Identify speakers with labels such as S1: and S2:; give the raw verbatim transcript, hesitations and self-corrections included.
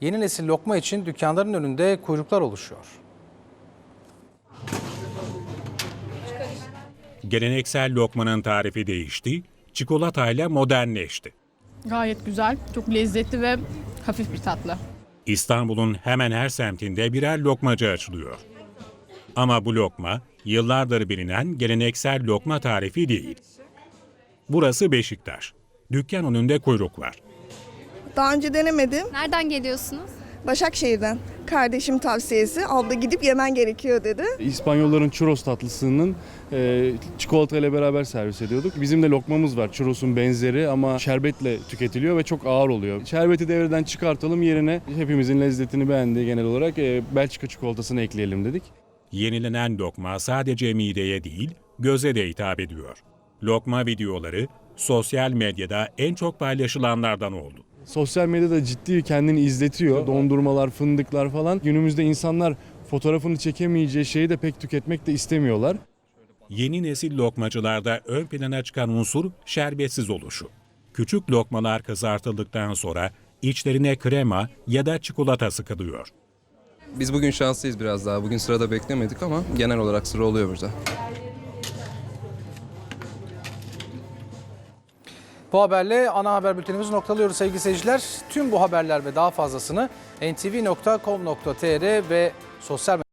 S1: Yeni nesil lokma için dükkanların önünde kuyruklar oluşuyor.
S2: Geleneksel lokmanın tarifi değişti, çikolatayla modernleşti.
S3: Gayet güzel, çok lezzetli ve hafif bir tatlı.
S2: İstanbul'un hemen her semtinde birer lokmacı açılıyor. Ama bu lokma yıllardır bilinen geleneksel lokma tarifi değil. Burası Beşiktaş. Dükkan önünde kuyruk var.
S4: Daha önce denemedim.
S5: Nereden geliyorsunuz?
S4: Başakşehir'den. Kardeşim tavsiyesi. Abla gidip yemen gerekiyor dedi.
S6: İspanyolların churros tatlısının e, çikolata ile beraber servis ediyorduk. Bizim de lokmamız var. Churros'un benzeri ama şerbetle tüketiliyor ve çok ağır oluyor. Şerbeti devreden çıkartalım, yerine hepimizin lezzetini beğendiği genel olarak e, Belçika çikolatasını ekleyelim dedik.
S2: Yenilenen lokma sadece mideye değil, göze de hitap ediyor. Lokma videoları sosyal medyada en çok paylaşılanlardan oldu.
S6: Sosyal medyada ciddi kendini izletiyor. Dondurmalar, fındıklar falan. Günümüzde insanlar fotoğrafını çekemeyeceği şeyi de pek tüketmek de istemiyorlar.
S2: Yeni nesil lokmacılarda ön plana çıkan unsur şerbetsiz oluşu. Küçük lokmalar kızartıldıktan sonra içlerine krema ya da çikolata sıkılıyor.
S7: Biz bugün şanslıyız biraz daha. Bugün sırada beklemedik ama genel olarak sıra oluyor burada.
S1: Bu haberle ana haber bültenimizi noktalıyoruz sevgili seyirciler. Tüm bu haberler ve daha fazlasını en te ve nokta com nokta te er ve sosyal